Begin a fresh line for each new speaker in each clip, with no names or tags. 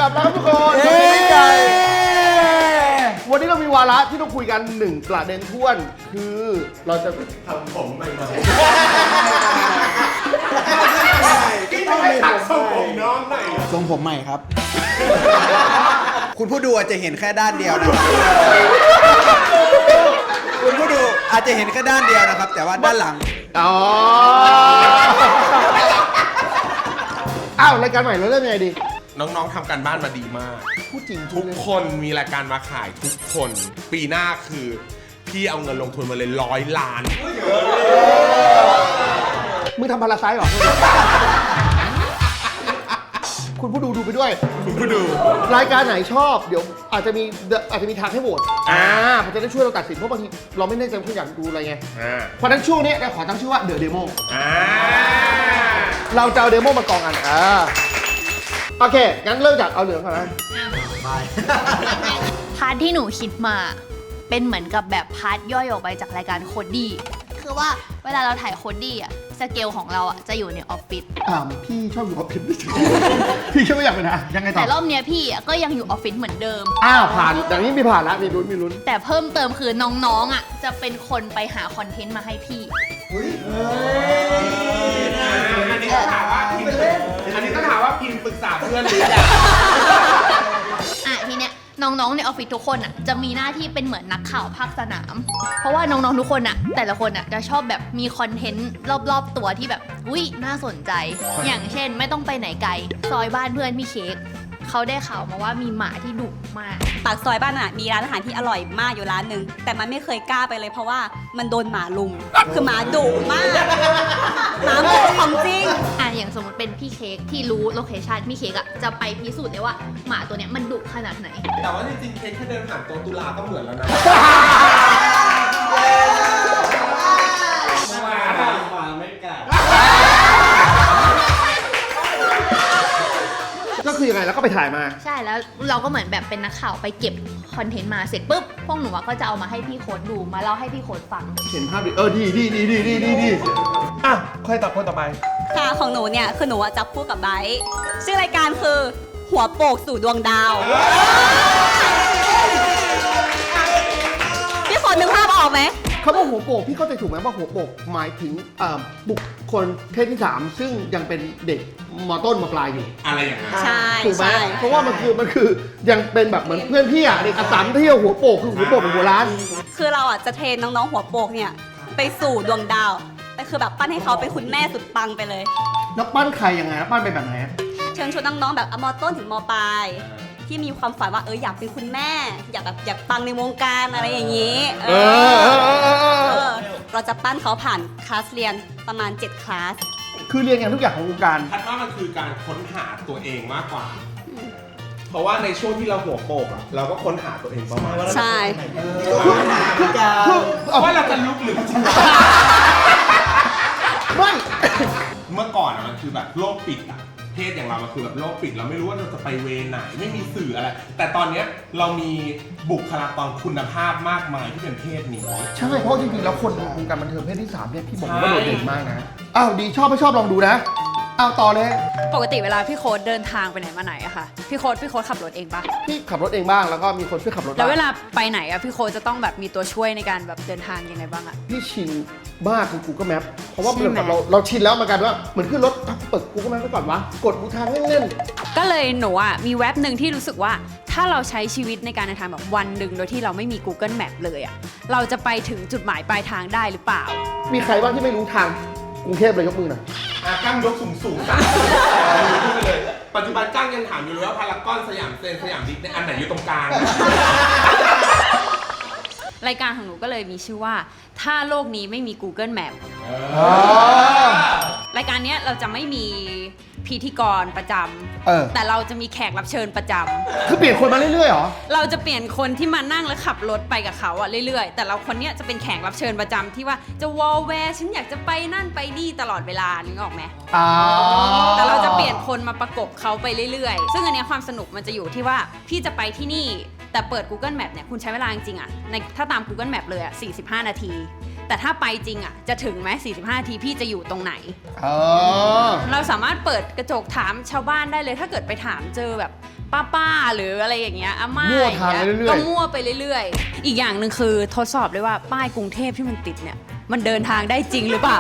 กลับแล้วครับทุกคนสวัสดีกันวันนี้เรามีวาระที่ต้องคุยกัน1ประเด็นท้วนคือเราจะทำผมใหม่ๆที่ต้องไปตัดทรงผมน้องหน่อย
ทรงผมใหม่ครับ คุณผู้ดูอาจจะเห็นแค่ด้านเดียวนะคุณผู้ดูอาจจะเห็นแค่ด้านเดียวนะครับแต่ว่าด้านหลัง
อ้าวรายการใหม่เราเริ่มยังไงดี
น้องๆทำการบ้านมาดีมาก
พูดจริง
ทุกคนมีรายการมาขายทุกคนปีหน้าคือพี่เอาเงินลงทุนมาเลย100 ล้าน
มึงทำพาราไซต์หรอ คุณผู้ดูไปด้วย
คุณผู้ดู
รายการไหนชอบเดี๋ยวอาจจะมีทางให้โหวตมันจะได้ช่วยเราตัดสินเพราะบางทีเราไม่แน่ใจว่าอยากดูอะไรไงเพราะฉะนั้นช่วงนี้เราขอตั้งชื่อว่า The Demo เราจะเอาเดโมมากองกันโอเคงั้นเริ่มจากเอาเหลืองก่อนนะ
พาร์ทที่หนูคิดมาเป็นเหมือนกับแบบพาร์ทย่อยออกไปจากรายการโคดดี้คือว่าเวลาเราถ่ายโคดดี้อะสเกลของเราอะจะอยู่ในออฟฟิศ
พี่ชอบอยู่ออฟฟิศพี่ชอบไม่อยากไปนะยังไงต่อ
แต่รอบเนี้ยพี่ก็ยังอยู่ออฟฟิศเหมือนเดิม
ผ่านอย่างนี้มีผ่านแล้วมีลุ้น
แต่เพิ่มเติมคือน้องๆอะจะเป็นคนไปหาคอนเทนต์มาให้พี่
อันนี้ต้องถามว่าพิมปรึกษาเพื่อนหรือยัง
ทีเนี้ยน้องๆในออฟฟิศทุกคนอ่ะจะมีหน้าที่เป็นเหมือนนักข่าวภาคสนามเพราะว่าน้องๆทุกคนอ่ะแต่ละคนอ่ะจะชอบแบบมีคอนเทนต์รอบๆตัวที่แบบน่าสนใจอย่างเช่นไม่ต้องไปไหนไกลซอยบ้านเพื่อนพี่เค้กเขาได้ข่าวมาว่ามีหมาที่ดุมาก
ปากซอยบ้านมีร้านอาหารที่อร่อยมากอยู่ร้านหนึ่งแต่มันไม่เคยกล้าไปเลยเพราะว่ามันโดนหมาลุมคือหมาดุมากหมาดุของจริง
อย่างสมมติเป็นพี่เค้กที่รู้โลเคชั่นพี่เค้กจะไปพิสูจน์ได้ว่าหมาตัวเนี้ยมันดุขนาดไหน
แต่ว่าจริงๆเค้กแค่เดินผ่านตัวตุลาก็เหมือนแล้วนะ
ก็คือยังไงแล้วก็ไปถ่ายมา
ใช่แล้วเราก็เหมือนแบบเป็นนักข่าวไปเก็บคอนเทนต์มาเสร็จปุ๊บพวกหนูก็จะเอามาให้พี่โค้ดดูมาเล่าให้พี่โค้ดฟัง
เห็นภาพดีดีใครต่อคนต่อไป
ค่ะของหนูเนี่ยคือหนูจับคู่กับไบร์ทชื่อรายการคือหัวโปกสู่ดวงดาวพี่โค้ดนึกภาพออกไหม
คำว่าหัวโปกพี่เข้าใจถูกไหมว่าหัวโปกหมายถึงบุคคลเพศที่3ซึ่งยังเป็นเด็กม.ต้นม.ปลายอยู่
อะไรอย่างนั้น
ใช่
ถูกไหมเพราะว่ามันคือยังเป็นแบบเหมือนเพื่อนพี่เด็กอัสสัมเที่ยวหัวโปกคือหัวโปกเป็นหัวร้าน
คือเราจะเทรนน้องๆหัวโปกเนี่ยไปสู่ดวงดาวแต่คือแบบปั้นให้เขาเป็นคุณแม่สุดปังไปเลย
แล้วปั้นใครยังไงปั้นเป็นแบบไหน
เชิญชวนน้องๆแบบม.ต้นถึงม.ปลายที่มีความฝันว่าอยากเป็นคุณแม่อยากปังในวงการอะไรอย่างนี้เราจะปั้นเขาผ่านคลาสเรียนประมาณ7คลาส
คือเรียนอย่างทุกอย่างของวงการ
คัดว่ามันคือการค้นหาตัวเองมากกว่าเพราะว่าในช่วงที่เราหัวโปกเราก็ค้นหาตัวเองประมาณ
ใช่
ว่าเราจะลุกหรือจะ
ไม่
เมื่อก่อนมันคือแบบโลกปิดเพศอย่างเรามันคือแบบโลกปิดเราไม่รู้ว่าเราจะไปเวไหนไม่มีสื่ออะไรแต่ตอนนี้เรามีบุคลากรคุณภาพมากมายที่เป็นเพศนี้
ใช่เพราะจริงๆแล้วคนวงการบันเทิงเพศที่3เนี่ยพี่บอกว่าโดดเด่นมากนะดีชอบไม่ชอบลองดูนะต่อเลย
ปกติเวลาพี่โค้ดเดินทางไปไหนมาไหนอะค่ะพี่โค้ดขับรถเองปะ
พี่ขับรถเองบ้างแล้วก็มีคนช่วยขับรถ
แล้วเวลาไปไหนอะพี่โค้ดจะต้องแบบมีตัวช่วยในการแบบเดินทางยังไงบ้างอะ
พี่ชินมากคือ Google Map เพราะว่าเราชินแล้วเหมือนกันว่าเหมือนขึ้นรถเปิด Google Map ไว้ก่อนวะกดดูทางเล่น
ๆก็เลยหนูอะมีเว็บหนึ่งที่รู้สึกว่าถ้าเราใช้ชีวิตในการเดินทางแบบวันหนึ่งโดยที่เราไม่มี Google Map เลยอะเราจะไปถึงจุดหมายปลายทางได้หรือเปล่า
มีใครบ้างที่ไม่รู้ทางกรุงเทพเลยยกมือหน่อย
กั้งยกสูงๆไปเลยปัจจุบันกั้งยังถามอยู่เลยว่าพารากอนสยามเซ็นสยามดิสเนี่ยอันไหนอยู่ตรงกลาง
รายการของหนูก็เลยมีชื่อว่าถ้าโลกนี้ไม่มี Google Map รายการนี้เราจะไม่มีพิธีกรประจำแต่เราจะมีแขกรับเชิญประจำ
คือเปลี่ยนคนมาเรื่อยๆเหรอ
เราจะเปลี่ยนคนที่มานั่งและขับรถไปกับเขาเรื่อยๆแต่เราคนนี้จะเป็นแขกรับเชิญประจำที่ว่าจะวอลแวร์ฉันอยากจะไปนั่นไปนี่ตลอดเวลานึกออกไหมแต่เราจะเปลี่ยนคนมาประกบเขาไปเรื่อยๆซึ่งอันนี้ความสนุกมันจะอยู่ที่ว่าพี่จะไปที่นี่แต่เปิด Google Map เนี่ยคุณใช้เวลาจริงๆถ้าตาม Google Map เลย45 นาทีแต่ถ้าไปจริงจะถึงไหม45 นาทีพี่จะอยู่ตรงไหนเราสามารถเปิดกระจกถามชาวบ้านได้เลยถ้าเกิดไปถามเจอแบบป้าหรืออะไรอย่างเงี้ยอาม่า
มั่วทางไปเรื่อยๆ
ก็มั่วไปเรื่อยๆ อีกอย่างหนึ่งคือทดสอบด้วยว่าป้ายกรุงเทพที่มันติดเนี่ยมันเดินทางได้จริงหรือเปล่า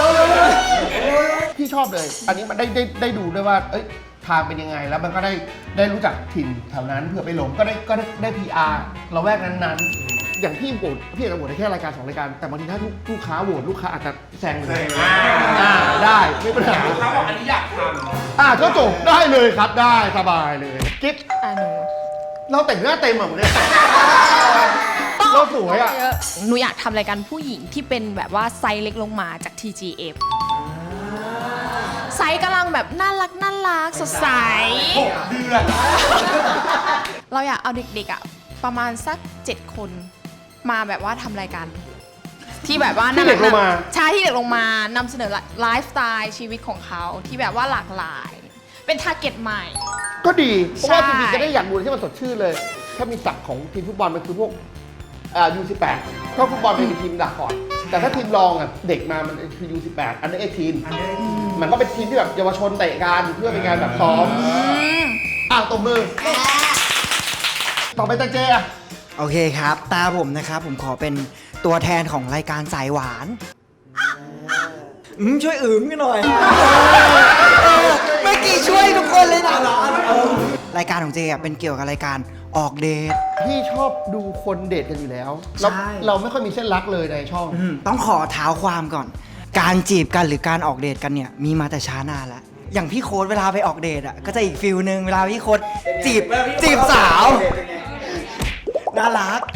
พี่ชอบเลย อันนี้มันได้ดูด้วยว่า เอ้ย ทางเป็นยังไง แล้วมันก็ได้รู้จักถิ่นแถวนั้นเผื่อไปหลงก็ได้ PR เราแวกนั้นๆ อย่างพี่โหวตพี่อาจจะโหวตได้แค่รายการ2รายการ แต่บางทีถ้าลูกค้าโหวตลูกค้าอาจจะแซงเลยได้ไม่เป็นปัญหา
เขาบอกอันนี้อยากทำ
ก็จบได้เลยครับได้สบายเลยกิ๊บ
หนู
เราแต่งหน้าเต็มอ่ะเนี่ยเราสวยอ่ะ
หนูอยากทำรายการผู้หญิงที่เป็นแบบว่าไซส์เล็กลงมาจาก TGF ไซส์กำลังแบบน่ารักสดใส
6 เดือน
เราอยากเอาเด็กๆอ่ะประมาณสัก7 คนมาแบบว่าทำรายการที่แบบว่า
ที่เด็กลงมา
ใช่ที่เด็กลงมานำเสนอไลฟ์สไตล์ชีวิตของเขาที่แบบว่าหลากหลาย เป็นทาร์เก็ตใหม่
ก็ดี เพราะว่าจ
ใช่
ริงๆจะได้อยากดูที่มันสดชื่นเลย ถ้ามีศักดิ์ของทีมฟุตบอลมันคือพวกU18 ก็ฟุตบอลเป็นทีมหลักก่อน แต่ถ้าทีมรองอ่ะเด็กมามันคือ U18 อันนี้ทีมมันก็เป็นทีมที่แบบเยาวชนเตะกันเพื่อเป็นการแบบซ้อมตบมือ ต่อไปตังเจอ่ะ
โอเคครับ ตาผมนะครับ ผมขอเป็นตัวแทนของรายการสายหวานช่วยกันหน่อยเมื่อกี้ช่วยทุกคนเลยนะรายการของเจอ่ะเป็นเกี่ยวกับรายการออกเดท
พี่ชอบดูคนเดทกันอยู่แล้ว
ใช่
เราไม่ค่อยมีเส้นรักเลยในช่อง
ต้องขอเท้าความก่อน การจีบกันหรือการออกเดทกันเนี่ยมีมาแต่ช้านานแล้ว อย่างพี่โค้ดเวลาไปออกเดทอ่ะก็จะอีกฟิลนึงเวลาพี่โค้ดจีบสาวน่ารัก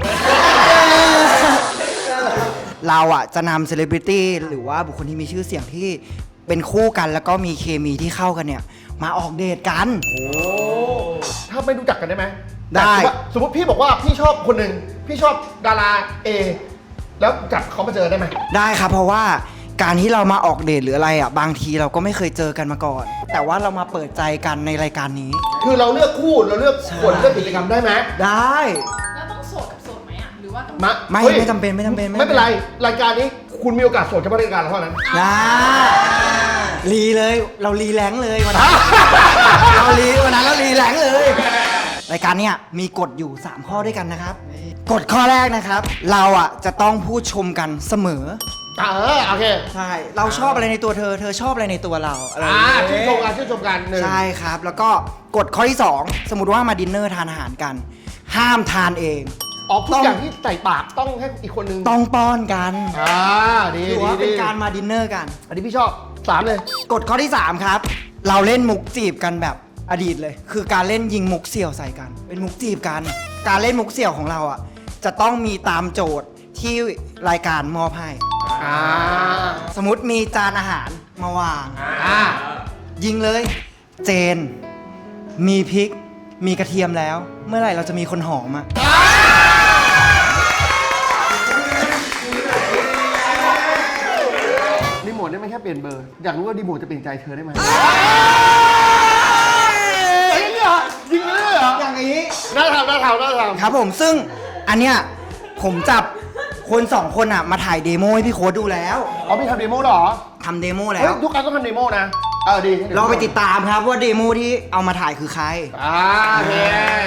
เราอ่ะจะนำเซเลบริตี้หรือว่าบุคคลที่มีชื่อเสียงที่เป็นคู่กันแล้วก็มีเคมีที่เข้ากันเนี่ยมาออกเดทกัน
ถ้าไม่รู้จักกันได้ไหม
ได้
สมมติพี่บอกว่าพี่ชอบคนหนึ่งพี่ชอบดารา A แล้วจับเขามาเจอได้ไหม
ได้ครับเพราะว่าการที่เรามาออกเดทหรืออะไรอ่ะบางทีเราก็ไม่เคยเจอกันมาก่อน แต่ว่าเรามาเปิดใจกันในรายการนี้
คือเราเลือกคู่เราเลือกคนเลือกกิจกรรมได้ไหม
ได้
แล้วต้องโสดกับโสดไหมอ่ะหรือว่าต้อง
ไม่
ฮ้ย
ไม่จำเป็น
ไม่เป็นไรรายการนี้คุณมีโอกาสโสดเฉพาะรายการเราเท่านั้น
นะรีเลยเรารีแรงเลยวันนั้น เรารีวันนั้นเรารีแรงเลย รายการเนี้ยมีกฎอยู่ 3 ข้อด้วยกันนะครับกฎข้อแรกนะครับ เราอ่ะจะต้องพูดชมกันเสมอ
โอเค
ใช่เราชอบอะไรในตัวเธอ เธอชอบอะไรในตัวเราอะไรอย่างเงี้ย
ชื่นชมกันหนึ่ง
ใช่ครับ แล้วก็กฎข้อที่ 2 สมมติว่ามาดินเนอร์ทานอาหารกัน ห้ามทานเอง
ทุกอย่างที่ใส่ปากต้องให้อีกคนนึง
ต้องป้อนกัน
ดี
ถือว่าเป็นการมาดินเนอร์กัน
อันนี้พี่ชอบ3เลย
กฎข้อที่ 3 ครับ เราเล่นมุกจีบกันแบบอดีตเลย คือการเล่นยิงมุกเสี่ยวใส่กัน เป็นมุกจีบกัน การเล่นมุกเสี่ยวของเราอ่ะจะต้องมีตามโจทย์ที่รายการมอบให้สมมติมีจานอาหารมาวางยิงเลย เจน มีพริก มีกระเทียมแล้ว เมื่อไหร่เราจะมีคนหอมอ่ะ
รีโมทได้ไหมแค่เปลี่ยนเบอร์ อยากรู้ว่ารีโมทจะเปลี่ยนใจเธอได้ไหมยิงเลยเหรอ
อย่างนี้
น่าทำ
ครับผมซึ่งอันเนี้ยผมจับคน2 คนอ่ะมาถ่ายเดโมให้พี่โค้ดดูแล้ว
พี่ทำเดโมเหรอ
ทำเดโมแล้
เฮ้ยว ทุกครั้งต้องทำเดโมนะดี
เราไปติดตามครับว่าเดโมที่เอามาถ่ายคือใคร
โอเค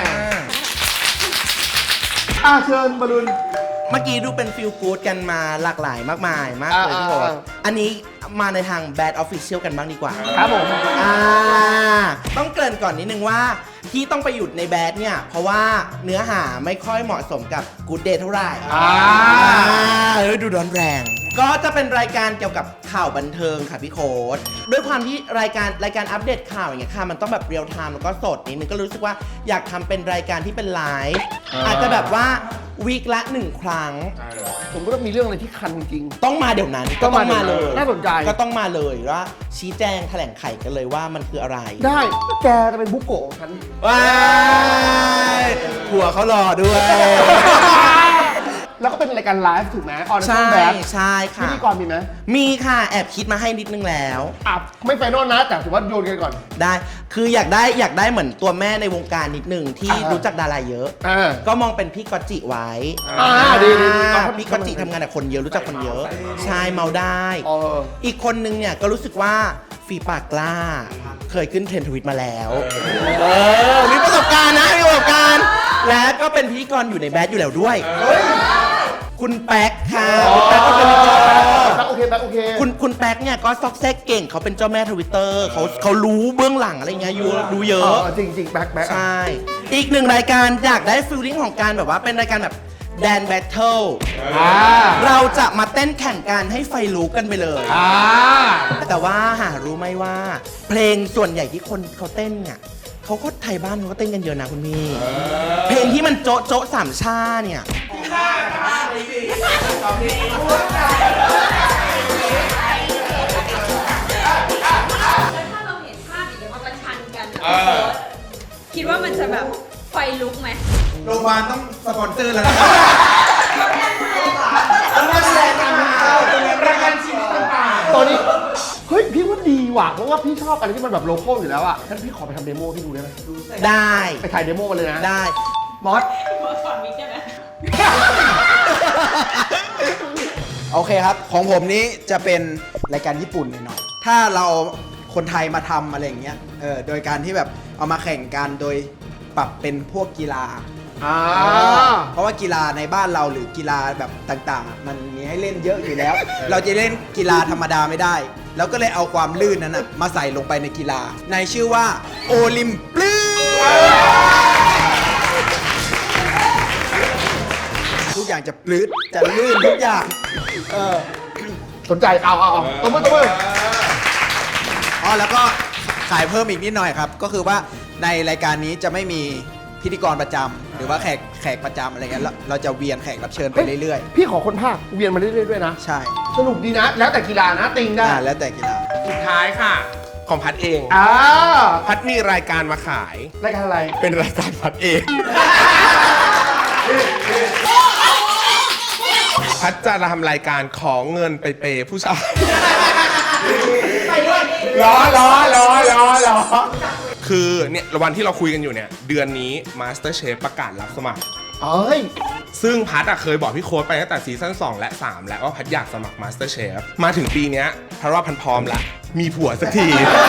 เชิญบอลลูน
เมื่อกี้ดูเป็นฟิลกู๊ดกันมาหลากหลายมากมายมากเลยพี่โค้ดอันนี้มาในทาง Bad Official กันบ้างดีกว่า
ครับผม
ต้องเกริ่นก่อนนิดนึงว่าที่ต้องไปหยุดในแบดเนี่ย เพราะว่าเนื้อหาไม่ค่อยเหมาะสมกับ Good Day เท่าไหร่ดูร้อนแรง ก็จะเป็นรายการเกี่ยวกับข่าวบันเทิงค่ะพี่โค้ดด้วยความที่รายการอัปเดตข่าวอย่างเงี้ยค่ะมันต้องแบบเรียลไทม์แล้วก็สดนิดนึงก็รู้สึกว่าอยากทำเป็นรายการที่เป็นไลฟ์อาจจะแบบว่าวีคละ 1 ครั้ง
ผมก็มีเรื่องอะไรที่คันจริง
ต้องมาเดี๋ยวนั้น
ต้
ก็
อง
ต้
มา
องมาเลย
น่าสนใจ
ก็ต้องมาเลยว่าชี้แจงแถลงไขกันเลยว่ามันคืออะไร
ได้แกจะเป็นบุกโกะของฉัน
ว้ายหัวเขาหล่อด้วย
แล้วก็เป็นรายการไลฟ์ถูกไหมออน
ใช่
แบบ
ใช่
พิ
ค่ะ
ธีกรมีไหม
มีค่ะแอบคิดมาให้นิดนึงแล้ว
อ่ะไม่ไฟนอลนะแต่ถือว่าโยนกันก่อน
ได้คืออยากได้เหมือนตัวแม่ในวงการนิดนึงที่รู้จักดาราเยอะ ก็มองเป็นพี่กอตจิไว้
ดี
พี่กอตจิทำงานกับคนเยอะรู้จักคนเยอะใช่เมาได้ อีกคนนึงเนี่ยก็รู้สึกว่าฝีปากกล้า เคยขึ้นเทรนด์ทวิตมาแล้วมีประสบการณ์นะมีประสบการณ์และก็เป็นพิธีกรอยู่ในแบดอยู่แล้วด้วยคุณแป๊กค่ะคุณแป๊กก็เป็นพิธีกร
โอเคโอเค
คุณแป๊กเนี่ยก็ซอกแซกเก่งเขาเป็นเจ้าแม่ทวิตเตอร์เขารู้เบื้องหลังอะไรเงี้ยรู้เยอะ
จริงแบ็ค
ใช่อีกหนึ่งรายการอยากได้ฟีลลิ่งของการแบบว่าเป็นรายการแบบแดนแบทเทิลเราจะมาเต้นแข่งกันให้ไฟลุกกันไปเลยแต่ว่าหารู้ไหมว่า เพลงส่วนใหญ่ที่คนเขาเต้นเนี่ยเขาก็ไทยบ้านเขาก็เต้นกันเยอะนะคุณพี่เพลงที่มันโจ๊ะโจ๊ะสามชาเนี่ย
ถ้าเราเห็นภาพอย่างเงี้ยมาประชันกันคิดว่ามันจะแบบไฟลุกไหม
โรงพยาบาลต้องสปอนเซอร์แล้วนะ
ตอนนี้เฮ้ยพี่ว่าดีว่ะเพราะว่าพี่ชอบอะไรที่มันแบบโลคอลอยู่แล้วอ่ะงั้นพี่ขอไปทำเดโมให้ดูได้ไหม
ได้
ไปถ่ายเดโมมาเลยนะ
ได้
มอส
โอเคครับ ของผมนี้จะเป็นรายการญี่ปุ่นหน่อยๆถ้าเราคนไทยมาทำอะไรอย่างเงี้ยโดยการที่แบบเอามาแข่งกันโดยปรับเป็นพวกกีฬาเพราะว่ากีฬาในบ้านเราหรือกีฬาแบบต่างๆ มันมีให้เล่นเยอะอยู่แล้ว เราจะเล่นกีฬาธรรมดาไม่ได้แล้วก็เลยเอาความลื่นนั้นนะมาใส่ลงไปในกีฬาในชื่อว่าโอลิมปลื้ทุกอย่างจะปลื้ดจะลื่นทุกอย่าง
สนใจเอาตัวมือ
แล้วก็ขายเพิ่มอีกนิดหน่อยครับก็คือว่าในรายการนี้จะไม่มีพิธีกรประจำหรือว่าแขกประจำอะไรเงี้ยเราจะเวียนแขกรับเชิญไปเรื่อย
พี่ขอคนภาคเวียนมาเรื่อยๆด้วยนะ
ๆใช่
สนุกดีนะ แล้วแต่กีฬานะติงได้
แล้วแต่กีฬา
สุดท้ายค่ะ ของพัดเอง พัดมีรายการมาขาย
รายการอะไร
เป็นรายการพัดเอง พัดจะทำรายการขอเงินไปเปย์ผู้ชายล้อคือเนี่ยวันที่เราคุยกันอยู่เนี่ยเดือนนี้ MasterChef ประกาศรับสมัครซึ่งพัดเคยบอกพี่โค้ดไปตั้งแต่ซีซั่น2และ3แล้วว่าพัดอยากสมัคร MasterChef มาถึงปีเนี้ยพัดว่าพันพร้อมละมีผัวสักที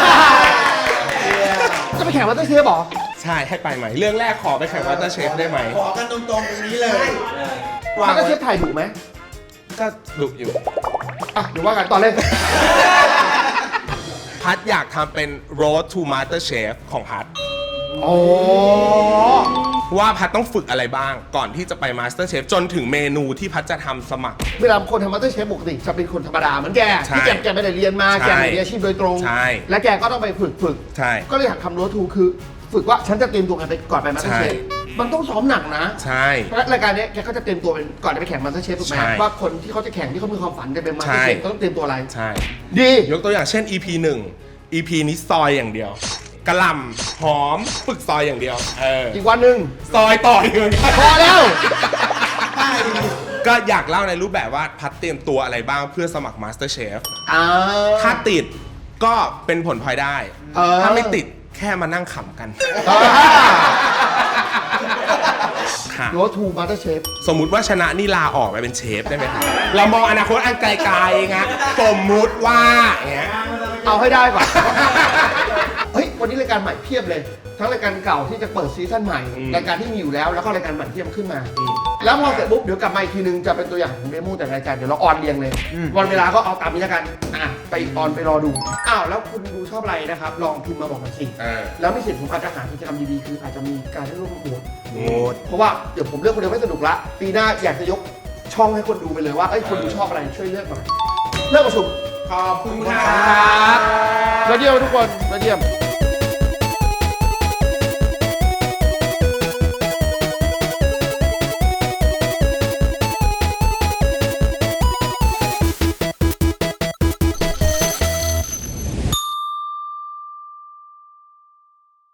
จะไปแข่งมาสเตอร์เชฟหรอ
ใช่ให้ไปไหมเรื่องแรกขอไปแข่ง MasterChef ได้ไหม
ขอกันตรงๆตรงนี้เลย
มาสเตอร์เชฟถ่ายดุไหม
ก็ดุอยู่
เดี๋ยวว่ากันตอนเล่น
พัดอยากทำเป็น Road to MasterChef ของพัดว่าพัดต้องฝึกอะไรบ้างก่อนที่จะไป MasterChef จนถึงเมนูที่พัดจะทำสมัคร
เวลาคนทำมาสเตอร์เชฟปกติจะเป็นคนธรรมดาเหมือนแกที่แกไม่ได้เรียนมาแกไม่ได้อาชีพโดยตรง และแกก็ต้องไปฝึกก็เลยอยากทำ Road to คือฝึกว่าฉันจะเตรียมตัวกันไปก่อนไปมาสเตอร์เชฟมันต้องซ้อมหนักนะใช่เพราะรายการนี้แกก็จะเตรียมตัวเป็นก่อนจะไปแข่งมาสเตอร์เชฟถูกไหมว่าคนที่เขาจะแข่งที่เขามีความฝันจะเป็นมาสเตอร์เชฟต้องเตรียมตัวอะไรใช่ดี
ยกตัวอย่างเช่น EP 1 EP นี้ซอยอย่างเดียวกะหล่ำหอมฝึกซอยอย่างเดียว
อีกวันหนึ่ง
ซอยต่ออีก
พอแล้ว
ก็อยากเล่าในรูปแบบว่าพัดเตรียมตัวอะไรบ้างเพื่อสมัคร MasterChef ถ้าติดก็เป็นผลพลอยได้ถ้าไม่ติดแค่มานั่งขำกัน
โรดทูมาสเตอร์เชฟ
สมมุติว่าชนะนี่ลาออกไปเป็นเชฟได้ไหมครับเรามองอนาคตอันไกลๆไงสมมุติว่าอย่างเงี้ย
เอาให้ได้ก่อนเฮ้ยวันนี้รายการใหม่เพียบเลยทั้งรายการเก่าที่จะเปิดซีซั่นใหม่รายการที่มีอยู่แล้วแล้วก็รายการใหม่ที่จะขึ้นมาแล้วพอเสร็จปุ๊บเดี๋ยวกลับมาอีกทีนึงจะเป็นตัวอย่างของเดโมแต่รายการเดี๋ยวเราออนเรียงเลยวันเวลาก็เอาตามนี้แล้วกันไปออนไปรอดูแล้วคุณดูชอบอะไรนะครับลองพิมพ์มาบอกหน่อยสิแล้วมีสิทธิ์ผมอาจจะหากิจกรรมดีๆคืออาจจะมีการได้ร่วมโหวตเพราะว่าเดี๋ยวผมเลือกคนเดียวไม่สนุกละปีหน้าอยากจะยกช่องให้คนดูไปเลยว่าคนดูชอบอะไรช่วยเลือกหน่อยเลือกประชุม
ขอบคุณครับ
ยอดเยี่ยมทุกคนยอดเยี่ยม